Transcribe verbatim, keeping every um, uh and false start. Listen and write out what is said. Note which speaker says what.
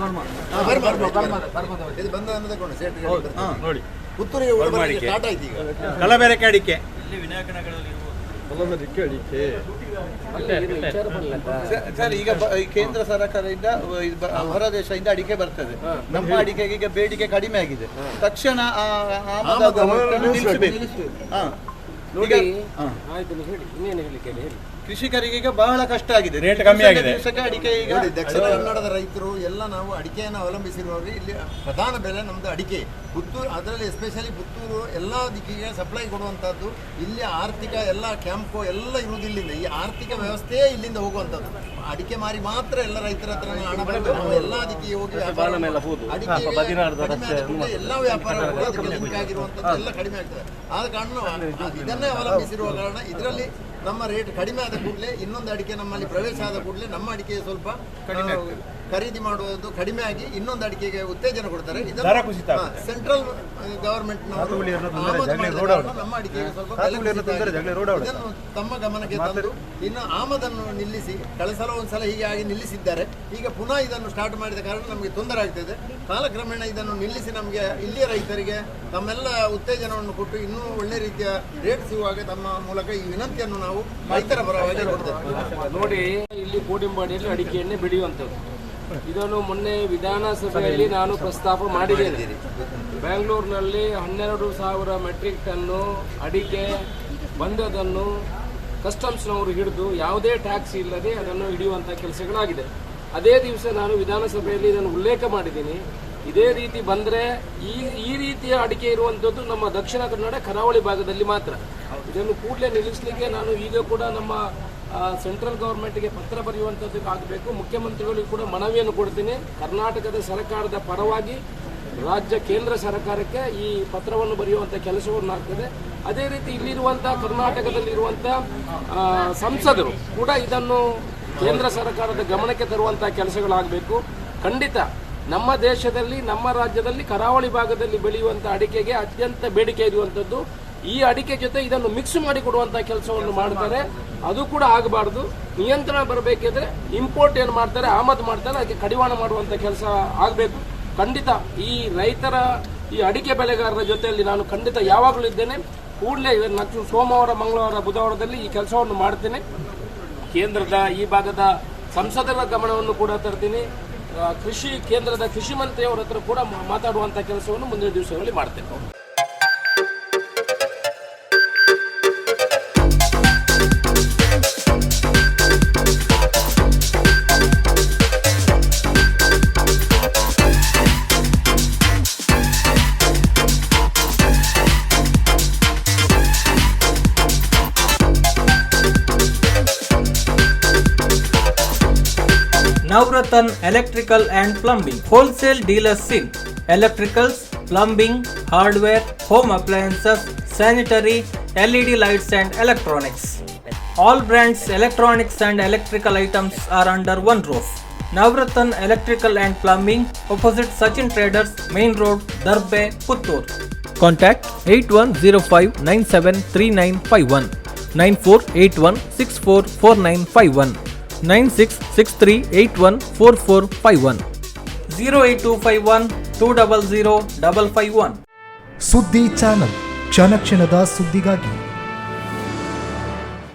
Speaker 1: ಇದು ಬಂದ ತಗೊಂಡು ಸೇಟ್ ನೋಡಿ ಪುತ್ತೂರಿಗೆ ಸ್ಟಾರ್ಟ್ ಆಯ್ತು ಈಗ
Speaker 2: ಕಲಬೆರಕೆ ಅಡಿಕೆ
Speaker 3: ಸರ್ ಈಗ ಕೇಂದ್ರ ಸರ್ಕಾರದಿಂದ ಹೊರ ದೇಶದಿಂದ ಅಡಿಕೆ ಬರ್ತದೆ. ನಮ್ಮ ಅಡಿಕೆಗೆ ಈಗ ಬೇಡಿಕೆ ಕಡಿಮೆ ಆಗಿದೆ. ತಕ್ಷಣ ಕೃಷಿಕರಿಗೆ ಈಗ ಬಹಳ ಕಷ್ಟ ಆಗಿದೆ.
Speaker 2: ರೇಟ್ ಕಮ್ಮಿ ಆಗಿದೆ.
Speaker 3: ಅಡಿಕೆ ಈಗ
Speaker 1: ದಕ್ಷಿಣ ಕನ್ನಡದ ರೈತರು ಎಲ್ಲ ನಾವು ಅಡಿಕೆಯನ್ನು ಅವಲಂಬಿಸಿರುವಾಗ ಇಲ್ಲಿ ಪ್ರಧಾನ ಬೆಲೆ ನಮ್ದು ಅಡಿಕೆ. ಪುತ್ತೂರು ಅದರಲ್ಲಿ ಎಸ್ಪೆಷಲಿ ಪುತ್ತೂರು ಎಲ್ಲ ದಿಕ್ಕಿಗೆ ಸಪ್ಲೈ ಕೊಡುವಂಥದ್ದು. ಇಲ್ಲಿ ಆರ್ಥಿಕ ಎಲ್ಲ ಕ್ಯಾಂಪು ಎಲ್ಲ ಇರುವುದು ಇಲ್ಲಿಂದ. ಈ ಆರ್ಥಿಕ ವ್ಯವಸ್ಥೆಯೇ ಇಲ್ಲಿಂದ ಹೋಗುವಂಥದ್ದು. ಅಡಿಕೆ ಮಾರಿ ಮಾತ್ರ ಎಲ್ಲ ರೈತರ ಹತ್ರ ಹಣ ಬರಬೇಕು. ನಾವು ಎಲ್ಲ ದಿಕ್ಕಿಗೆ ಹೋಗಿ ಅಡಿಕೆ ಎಲ್ಲ ವ್ಯಾಪಾರ ಅದಕ್ಕೆ ಲಿಂಕ್ ಆಗಿರುವಂಥದ್ದು ಎಲ್ಲ ಕಡಿಮೆ ಆಗ್ತದೆ. ಆದ ಕಾರಣ ಇದನ್ನೇ ಅವಲಂಬಿಸಿರುವ ಕಾರಣ ಇದರಲ್ಲಿ ನಮ್ಮ ರೇಟ್ ಕಡಿಮೆ ಆದ ಕೂಡಲೇ ಇನ್ನೊಂದು ಅಡಿಕೆ ನಮ್ಮಲ್ಲಿ ಪ್ರವೇಶ ಆದ ಕೂಡಲೇ ನಮ್ಮ ಅಡಿಕೆ ಸ್ವಲ್ಪ ಖರೀದಿ ಮಾಡುವುದು ಕಡಿಮೆ ಆಗಿ ಇನ್ನೊಂದು ಅಡಿಕೆಗೆ ಉತ್ತೇಜನ ಕೊಡ್ತಾರೆ. ಸೆಂಟ್ರಲ್ ಗವರ್ಮೆಂಟ್ ನಮ್ಮ ಅಡಿಕೆಗೆ ಸ್ವಲ್ಪ ಇದನ್ನು ತಮ್ಮ ಗಮನಕ್ಕೆ ತಂದು ಇನ್ನು ಆಮದನ್ನು ನಿಲ್ಲಿಸಿ ಕಳೆದ ಸಲ ಒಂದ್ಸಲ ಹೀಗೆ ಆಗಿ ನಿಲ್ಲಿಸಿದ್ದಾರೆ. ಈಗ ಪುನಃ ಇದನ್ನು ಸ್ಟಾರ್ಟ್ ಮಾಡಿದ ಕಾರಣ ನಮಗೆ ತೊಂದರೆ ಆಗ್ತದೆ. ಕಾಲಕ್ರಮೇಣ ಇದನ್ನು ನಿಲ್ಲಿಸಿ ನಮಗೆ ಇಲ್ಲಿಯ ರೈತರಿಗೆ ತಮ್ಮೆಲ್ಲ ಉತ್ತೇಜನವನ್ನು ಕೊಟ್ಟು ಇನ್ನೂ ಒಳ್ಳೆ ರೀತಿಯ ರೇಟ್ ಸಿಗುವಾಗ ತಮ್ಮ ಮೂಲಕ ಈ ವಿನಂತಿಯನ್ನು ನಾವು ರೈತರ ಪರವಾಗಿ ಕೊಡ್ತೇವೆ.
Speaker 4: ನೋಡಿ, ಇಲ್ಲಿ ಕೋಡಿಂಬಾಡಿಯಲ್ಲಿ ಅಡಿಕೆಯನ್ನೇ ಬೆಳೆಯುವಂಥದ್ದು. ಇದನ್ನು ಮೊನ್ನೆ ವಿಧಾನಸಭೆಯಲ್ಲಿ ನಾನು ಪ್ರಸ್ತಾಪ ಮಾಡಿದ್ದೇನೆ. ಬೆಂಗಳೂರಿನಲ್ಲಿ ಹನ್ನೆರಡು ಸಾವಿರ ಮೆಟ್ರಿಕ್ ಟನ್ನು ಅಡಿಕೆ ಬಂದದನ್ನು ಕಸ್ಟಮ್ಸ್ನವರು ಹಿಡಿದು ಯಾವುದೇ ಟ್ಯಾಕ್ಸ್ ಇಲ್ಲದೆ ಅದನ್ನು ಹಿಡಿಯುವಂಥ ಕೆಲಸಗಳಾಗಿದೆ. ಅದೇ ದಿವಸ ನಾನು ವಿಧಾನಸಭೆಯಲ್ಲಿ ಇದನ್ನು ಉಲ್ಲೇಖ ಮಾಡಿದ್ದೀನಿ. ಇದೇ ರೀತಿ ಬಂದರೆ ಈ ಈ ರೀತಿಯ ಅಡಿಕೆ ಇರುವಂಥದ್ದು ನಮ್ಮ ದಕ್ಷಿಣ ಕನ್ನಡ ಕರಾವಳಿ ಭಾಗದಲ್ಲಿ ಮಾತ್ರ. ಇದನ್ನು ಕೂಡಲೇ ನಿಲ್ಲಿಸಲಿಕ್ಕೆ ನಾನು ಈಗ ಕೂಡ ನಮ್ಮ ಸೆಂಟ್ರಲ್ ಗೌರ್ಮೆಂಟ್ಗೆ ಪತ್ರ ಬರೆಯುವಂಥದ್ದಕ್ಕೆ ಆಗಬೇಕು. ಮುಖ್ಯಮಂತ್ರಿಗಳಿಗೆ ಕೂಡ ಮನವಿಯನ್ನು ಕೊಡ್ತೀನಿ. ಕರ್ನಾಟಕದ ಸರ್ಕಾರದ ಪರವಾಗಿ ರಾಜ್ಯ ಕೇಂದ್ರ ಸರ್ಕಾರಕ್ಕೆ ಈ ಪತ್ರವನ್ನು ಬರೆಯುವಂಥ ಕೆಲಸವನ್ನು ಆಗ್ತದೆ. ಅದೇ ರೀತಿ ಇಲ್ಲಿರುವಂಥ ಕರ್ನಾಟಕದಲ್ಲಿರುವಂಥ ಸಂಸದರು ಕೂಡ ಇದನ್ನು ಕೇಂದ್ರ ಸರ್ಕಾರದ ಗಮನಕ್ಕೆ ತರುವಂಥ ಕೆಲಸಗಳಾಗಬೇಕು. ಖಂಡಿತ ನಮ್ಮ ದೇಶದಲ್ಲಿ ನಮ್ಮ ರಾಜ್ಯದಲ್ಲಿ ಕರಾವಳಿ ಭಾಗದಲ್ಲಿ ಬೆಳೆಯುವಂಥ ಅಡಿಕೆಗೆ ಅತ್ಯಂತ ಬೇಡಿಕೆ ಇರುವಂಥದ್ದು. ಈ ಅಡಿಕೆ ಜೊತೆ ಇದನ್ನು ಮಿಕ್ಸ್ ಮಾಡಿ ಕೊಡುವಂಥ ಕೆಲಸವನ್ನು ಮಾಡ್ತಾರೆ. ಅದು ಕೂಡ ಆಗಬಾರ್ದು. ನಿಯಂತ್ರಣ ಬರಬೇಕಿದ್ರೆ ಇಂಪೋರ್ಟ್ ಏನು ಮಾಡ್ತಾರೆ, ಆಮದು ಮಾಡ್ತಾರೆ, ಅದಕ್ಕೆ ಕಡಿವಾಣ ಮಾಡುವಂಥ ಕೆಲಸ ಆಗಬೇಕು. ಖಂಡಿತ ಈ ರೈತರ ಈ ಅಡಿಕೆ ಬೆಳೆಗಾರರ ಜೊತೆಯಲ್ಲಿ ನಾನು ಖಂಡಿತ ಯಾವಾಗಲೂ ಇದ್ದೇನೆ. ಕೂಡಲೇ ಇದನ್ನು ಸೋಮವಾರ, ಮಂಗಳವಾರ, ಬುಧವಾರದಲ್ಲಿ ಈ ಕೆಲಸವನ್ನು ಮಾಡ್ತೇನೆ. ಕೇಂದ್ರದ ಈ ಭಾಗದ ಸಂಸದರ ಗಮನವನ್ನು ಕೂಡ ತರ್ತೀನಿ. ಕೃಷಿ ಕೇಂದ್ರದ ಕೃಷಿ ಮಂತ್ರಿಯವರ ಹತ್ರ ಕೂಡ ಮಾತಾಡುವಂಥ ಕೆಲಸವನ್ನು ಮುಂದಿನ ದಿವಸಗಳಲ್ಲಿ ಮಾಡ್ತೇನೆ.
Speaker 5: Navratan Electrical and Plumbing Wholesale Dealers in Electricals, Plumbing, Hardware, Home Appliances, Sanitary, L E D Lights and Electronics. All brands electronics and electrical items are under one roof. Navratan Electrical and Plumbing, opposite Sachin Traders, Main Road, Darbe, Puttur. Contact eight one zero five nine seven three nine five one, nine four eight one six four four nine five one, nine six six three eight one four four five one, zero eight two five one two zero zero five five one.
Speaker 6: ಸುದ್ದಿ channel, ಕ್ಷಣ ಕ್ಷಣದ ಸುದ್ದಿಗಾಗಿ.